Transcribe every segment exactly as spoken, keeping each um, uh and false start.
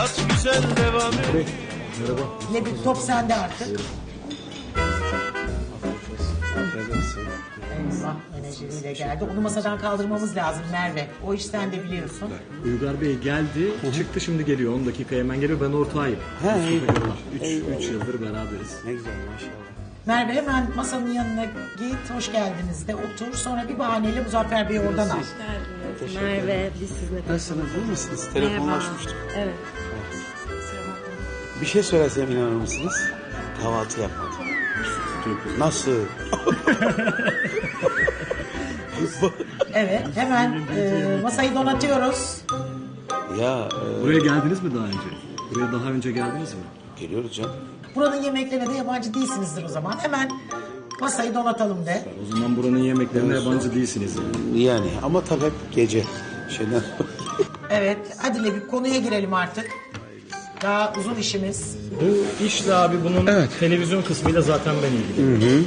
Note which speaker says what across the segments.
Speaker 1: hayat güzel devam et.
Speaker 2: Merhaba.
Speaker 3: Ne bir top sende artık. Eyvah, menajeriyle geldi. Onu masadan kaldırmamız lazım Merve. O iş sen de biliyorsun.
Speaker 2: Uygar Bey geldi, çıktı şimdi geliyor. on dakika hemen geliyor. Ben ortağıyım.
Speaker 4: Ha, iyi.
Speaker 2: üç yıldır beraberiz.
Speaker 4: Ne güzel maşallah.
Speaker 3: Merve hemen masanın yanına git, hoş geldiniz de otur. Sonra bir bahaneyle Muzaffer Bey'i oradan al.
Speaker 5: Merve, biz sizinle
Speaker 4: Nasılsınız, iyi misiniz? Telefonlaşmıştık.
Speaker 5: Evet.
Speaker 4: Bir şey söylesem inanır mısınız? Kahvaltı yapmadım. Nasıl?
Speaker 3: Evet, hemen e, masayı donatıyoruz.
Speaker 4: Ya e,
Speaker 2: Buraya geldiniz mi daha önce? Buraya daha önce geldiniz mi?
Speaker 4: geliyoruz canım.
Speaker 3: Buranın yemeklerine de yabancı değilsinizdir o zaman. Hemen masayı donatalım de.
Speaker 2: O zaman buranın yemeklerine yabancı değilsiniz yani.
Speaker 4: Yani ama tabii hep gece. Şeyden...
Speaker 3: Evet, hadi bir konuya girelim artık. Daha uzun işimiz.
Speaker 2: Bu işle abi bunun televizyon kısmıyla zaten ben ilgiliyim. Hı hı.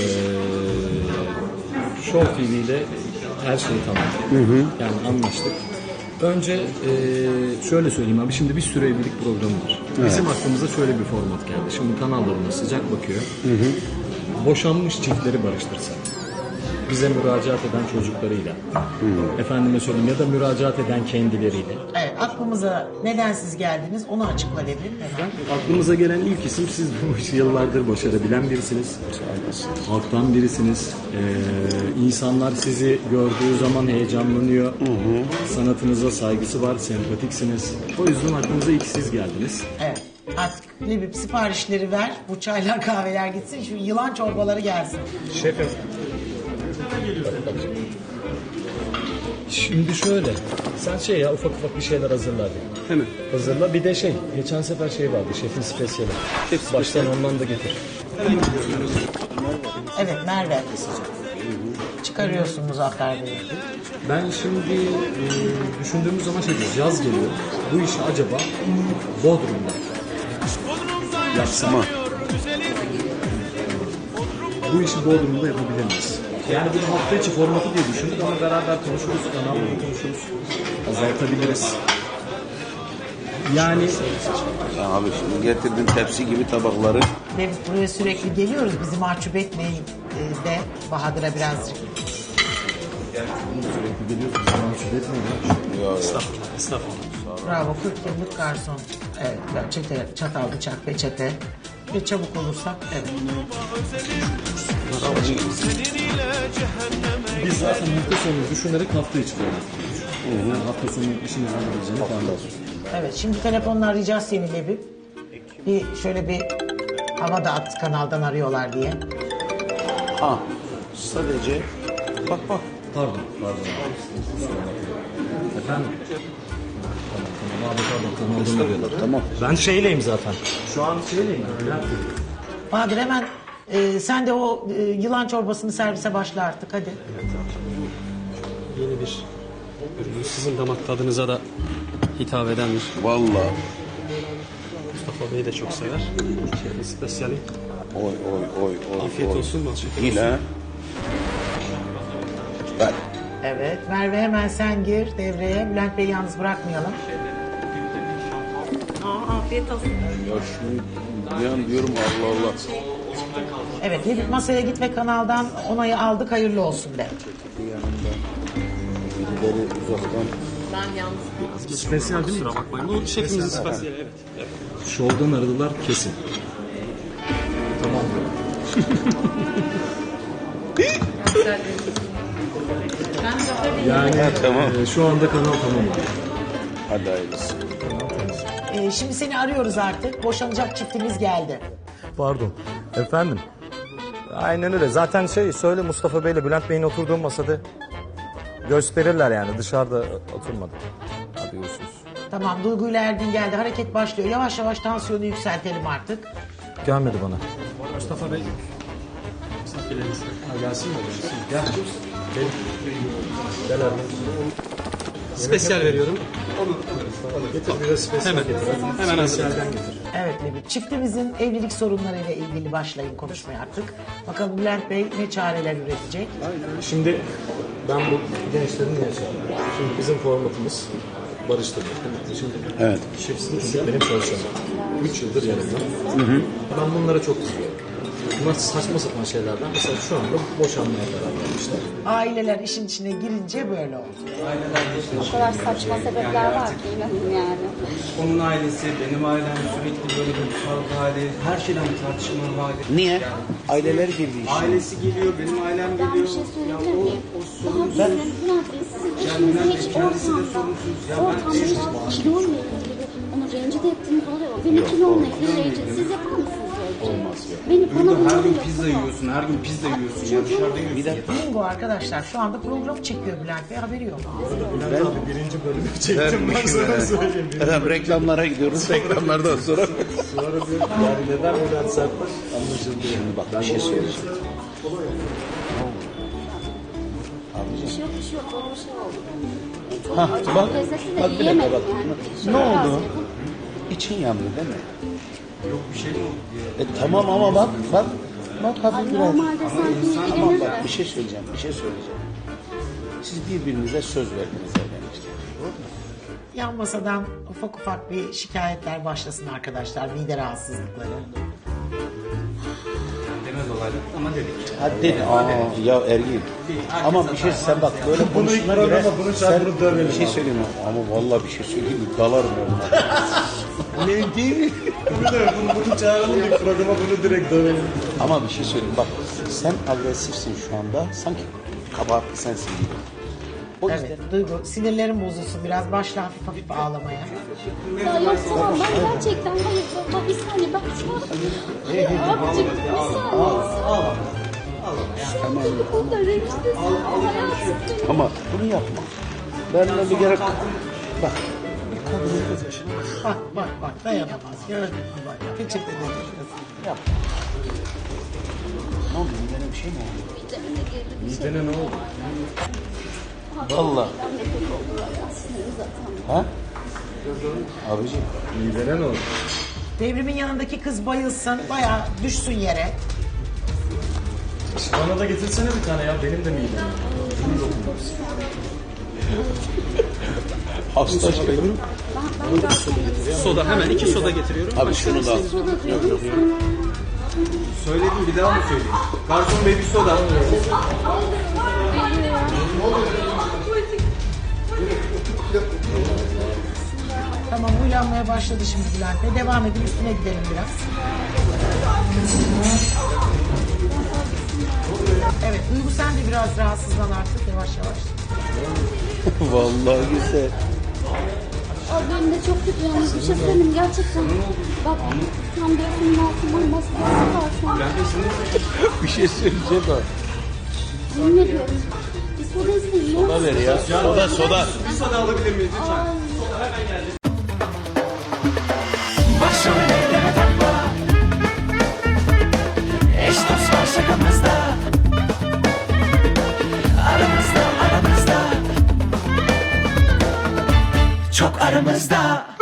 Speaker 2: Ee, Show T V ile her şeyi tamam. Hı hı. Yani anlaştık. Önce e, şöyle söyleyeyim abi, şimdi bir sürü evlilik programı var. Evet. Bizim aklımıza şöyle bir format geldi. Şimdi kanalda buna sıcak bakıyor. Hı hı. Boşanmış çiftleri barıştırsak. Bize müracaat eden çocuklarıyla. Hı. Efendime söyleyeyim, ya da müracaat eden kendileriyle.
Speaker 3: Evet, aklımıza neden siz geldiniz onu açıkla Lebip hemen.
Speaker 2: Aklımıza gelen ilk isim, siz bu işi yıllardır başarabilen birisiniz. Halktan birisiniz. Ee, insanlar sizi gördüğü zaman heyecanlanıyor. Hı hı. Sanatınıza saygısı var, sempatiksiniz. O yüzden aklımıza ilk siz geldiniz.
Speaker 3: Evet. Artık Lebip siparişleri ver. Bu çaylar kahveler gitsin. Şu yılan çorbaları gelsin.
Speaker 2: Şefim. Şimdi şöyle, sen şey ya ufak ufak bir şeyler hazırla hadi.
Speaker 4: Hemen.
Speaker 2: Hazırla, bir de şey, geçen sefer şey vardı, şefin spesiyeli.
Speaker 4: Şef
Speaker 2: Baştan ondan da getir.
Speaker 3: Evet Merve. Çıkarıyorsun Muzaffer Bey'i.
Speaker 2: Ben şimdi e, düşündüğümüz zaman şey diyoruz, yaz geliyor. Bu işi acaba Bodrum'da yapsam. Bu işi Bodrum'da yapabilir miyiz? Yani bir hafta içi formatı diye düşündük ama beraber konuşuruz, kanalda konuşuruz, azaltabiliriz. Yani
Speaker 4: Ya abi şimdi getirdin tepsi gibi tabakları.
Speaker 3: Lebip buraya sürekli geliyoruz. Bizi mahcup etmeyin e, de Bahadır'a birazcık.
Speaker 2: sürekli geliyorsunuz, zaman şüphe etmeyin.
Speaker 4: Ya, ya.
Speaker 2: Estağfurullah, estağfurullah.
Speaker 3: Bravo, kırk yıllık garson. Evet, çete, çatal, bıçak, peçete. Ve çabuk olursak, evet.
Speaker 2: Biz zaten hafta sonu düşünerek hafta içi koyduk. Yani hafta sonu işimiz olabileceğini tahmin ediyoruz.
Speaker 3: Evet, şimdi telefonla arayacağız seni Lebip. Bir şöyle bir hava da at, kanaldan arıyorlar diye.
Speaker 4: Ha, sadece bak bak.
Speaker 2: Pardon, pardon. Efendim? Tamam, tamam abi, pardon. Kanaldan arıyorlar.
Speaker 4: Tamam.
Speaker 2: Ben şeyleyim zaten. Şu an şeyleyim. Bülent Bey.
Speaker 3: Bahadır hemen e, sen de o e, yılan çorbasını servise başla artık, hadi.
Speaker 6: Yeni bir ürün. Sizin damak tadınıza da hitap edendir.
Speaker 4: Vallahi.
Speaker 6: Mustafa Bey de çok sever. Türkiye'nin spesiyali.
Speaker 4: Oy oy oy oy.
Speaker 6: Afiyet
Speaker 4: oy.
Speaker 6: olsun, bal şeker
Speaker 4: Yine.
Speaker 6: olsun.
Speaker 4: Ver.
Speaker 3: Evet, Merve hemen sen gir devreye. Bülent Bey'i yalnız bırakmayalım.
Speaker 5: Aa, afiyet olsun.
Speaker 4: Ya şunu bir an diyorum Allah Allah.
Speaker 3: Evet, Lebip masaya git ve kanaldan onayı aldık, hayırlı olsun de.
Speaker 4: Bir yanında birileri uzaktan.
Speaker 5: Ben yalnız.
Speaker 2: Spesiyel değil mi?
Speaker 6: Kusura bakmayın. Bu şefimizin spesiyali, evet. evet.
Speaker 2: Şovdan aradılar kesin. Tamam. Yani
Speaker 4: Tamam.
Speaker 2: e, şu anda kanal tamam.
Speaker 4: Hadi hayırlısı.
Speaker 3: Ee, şimdi seni arıyoruz artık. Boşanacak çiftimiz geldi.
Speaker 7: Pardon. Efendim? Aynen öyle. Zaten şey söyle, Mustafa Bey'le Bülent Bey'in oturduğu masada gösterirler yani. Dışarıda oturmadı. Hadi görüşürüz.
Speaker 3: Tamam, Duygu ile Ergin geldi. Hareket başlıyor. Yavaş yavaş tansiyonu yükseltelim artık.
Speaker 7: Gelmedi bana.
Speaker 6: Mustafa Bey. Misafirleriniz.
Speaker 2: Ha, gelsin mi? Gelsin. Gel. Gel. Gel abi.
Speaker 6: Spesiyal veriyorum.
Speaker 2: Getir biraz spesiyel
Speaker 6: Hemen.
Speaker 2: getir.
Speaker 6: Hemen hazır.
Speaker 2: Spesiyelden getir.
Speaker 3: Evet Lebip, çiftimizin evlilik sorunlarıyla ilgili başlayın konuşmaya artık. Bakalım Bülent Bey ne çareler üretecek.
Speaker 2: Şimdi ben bu gençlerin neye çağırıyorum? Şimdi bizim formatımız barıştırdık değil mi? Şimdi
Speaker 4: Evet.
Speaker 2: şefsin benim çalışanım. üç yıldır yanımda. Ben bunlara çok kızıyorum. Bunlar saçma sapan şeylerden. Mesela şu anda boşanmaya karar vermişler.
Speaker 3: Aileler işin içine girince böyle oldu.
Speaker 8: O kadar saçma sebepler var ki inanın yani.
Speaker 9: Onun ailesi, benim ailem sürekli böyle bir kavga hali, her şeyden bir tartışma hali.
Speaker 4: Niye? Aileler girdi işe.
Speaker 9: Ailesi geliyor, benim ailem
Speaker 8: Ben
Speaker 9: geliyor.
Speaker 8: bir şey söyleyebilir
Speaker 9: Ya o,
Speaker 8: miyim?
Speaker 9: o
Speaker 8: Daha
Speaker 9: sorun
Speaker 8: bizim Bülent Bey sizin
Speaker 9: Yani
Speaker 8: eşiniz
Speaker 9: Bülent
Speaker 8: hiç
Speaker 9: Bey kendisi de
Speaker 8: ortamda,
Speaker 9: sorunsuz. Ya ben
Speaker 8: ortamda kiloyla ilgili onu rencide ettiğiniz oluyor. Beni kilomla ilgili rencide. Siz yapar mısınız böyle bir şey?
Speaker 4: Olmaz ya.
Speaker 8: Beni bana
Speaker 9: Burada her
Speaker 8: bunu
Speaker 9: gün
Speaker 8: yapamaz.
Speaker 9: pizza yiyorsun, her gün pizza yiyorsun. Ya dışarıda yiyorsun.
Speaker 4: Bir dakika.
Speaker 3: Bingo arkadaşlar şu anda programı çekiyor Bülent Bey haberi yok.
Speaker 2: Bülent abi birinci bölümü çektim ben sana söyleyeyim.
Speaker 4: Efendim reklamlara gidiyoruz. Reklamlardan sonra.
Speaker 2: Sonra bir yani neden Bülent Sertbaş anlaşıldı yani.
Speaker 4: Bak bir şey söyleyeceğim.
Speaker 8: Bir şey yok, bir şey yok. Böyle bir şey oldu. Çok
Speaker 4: Ha,
Speaker 8: acı,
Speaker 4: bak,
Speaker 8: lezzetli de
Speaker 4: bak bir dakika
Speaker 8: yiyemedim
Speaker 4: bak.
Speaker 8: yani.
Speaker 4: Ne
Speaker 8: Şöyle biraz
Speaker 4: oldu?
Speaker 8: yedim.
Speaker 4: İçin yandı değil mi?
Speaker 9: Yok bir şey mi oldu diye.
Speaker 4: E tamam ama bak bak. Bak
Speaker 8: Ay,
Speaker 4: hafif biraz.
Speaker 8: normalde sanki
Speaker 4: Tamam
Speaker 8: ilgilenir
Speaker 4: bak
Speaker 8: de.
Speaker 4: bir şey söyleyeceğim. Bir şey söyleyeceğim. Siz birbirinize söz verdiniz evlenirken. Doğru mu?
Speaker 3: Yan masadan ufak ufak bir şikayetler başlasın arkadaşlar. Mide rahatsızlıkları.
Speaker 9: Demez olaylar ama dedik.
Speaker 4: Hadi aa, ya Ergin. Ama bir şey sen bak böyle konuşuna göre
Speaker 2: bunu
Speaker 4: sen
Speaker 2: bunu dövelim
Speaker 4: bir şey söyleyeyim mi? Ama vallahi bir şey söyleyeyim mi? Dalarım onunla. Ne değil mi?
Speaker 2: Bunu da bunu, bunu çağıralım bir programa bunu direkt dövelim.
Speaker 4: Ama bir şey söyleyeyim bak sen agresifsin şu anda sanki kabahatli sensin gibi. O yüzden
Speaker 3: Evet Duygu sinirlerim bozulsun biraz başla hafif hafif ağlamaya.
Speaker 8: Ya yok tamam ben gerçekten hayır baba bir saniye ben şu an ya abicim bir saniye. Şu an beni bu konuda rencidesin hayatım.
Speaker 4: ama bunu yapma. Benimle bir gerek bak
Speaker 3: Bak bak bak dayanamaz gördün mü bak peçete de düşüyorsun.
Speaker 4: yapma. Ne oldu? Midene bir şey mi oldu?
Speaker 2: Midene ne oldu?
Speaker 4: Allah.
Speaker 8: Ben de kötü oldu ya sinirim zaten.
Speaker 4: Ha? Abiciğim.
Speaker 2: Midene ne oldu?
Speaker 3: Devrimin yanındaki kız bayılsın bayağı düşsün yere.
Speaker 2: Bana da getirsene bir tane ya benim de midem.
Speaker 4: Hasta şey.
Speaker 8: Ben, ben zaten
Speaker 6: Soda hemen iki soda getiriyorum.
Speaker 4: Abi şunu da al.
Speaker 8: soda diyorum.
Speaker 9: Söyledim bir daha mı söyleyeyim? Garson bey bir soda.
Speaker 3: Tamam uylanmaya başladı şimdi Bülent Bey. Devam edin üstüne gidelim biraz. Evet Duygu sen de biraz rahatsızlan artık yavaş yavaş.
Speaker 4: Vallahi güzel.
Speaker 8: Abi benim de çok kötü yalnız bir şey söyleyeyim gerçekten. Bak tam gözümün altından maskesi var şu an.
Speaker 4: Bir şey söyleyeceğim bak.
Speaker 8: Yemin ediyorum. Bir soda isteyeyim. ne
Speaker 4: Soda
Speaker 8: olur.
Speaker 4: ver ya. Soda soda.
Speaker 9: Bir soda alabilir miyiz lütfen?
Speaker 1: Başımı elleme takma. Eş dost var şakamızda. Aramızda aramızda. Çok aramızda.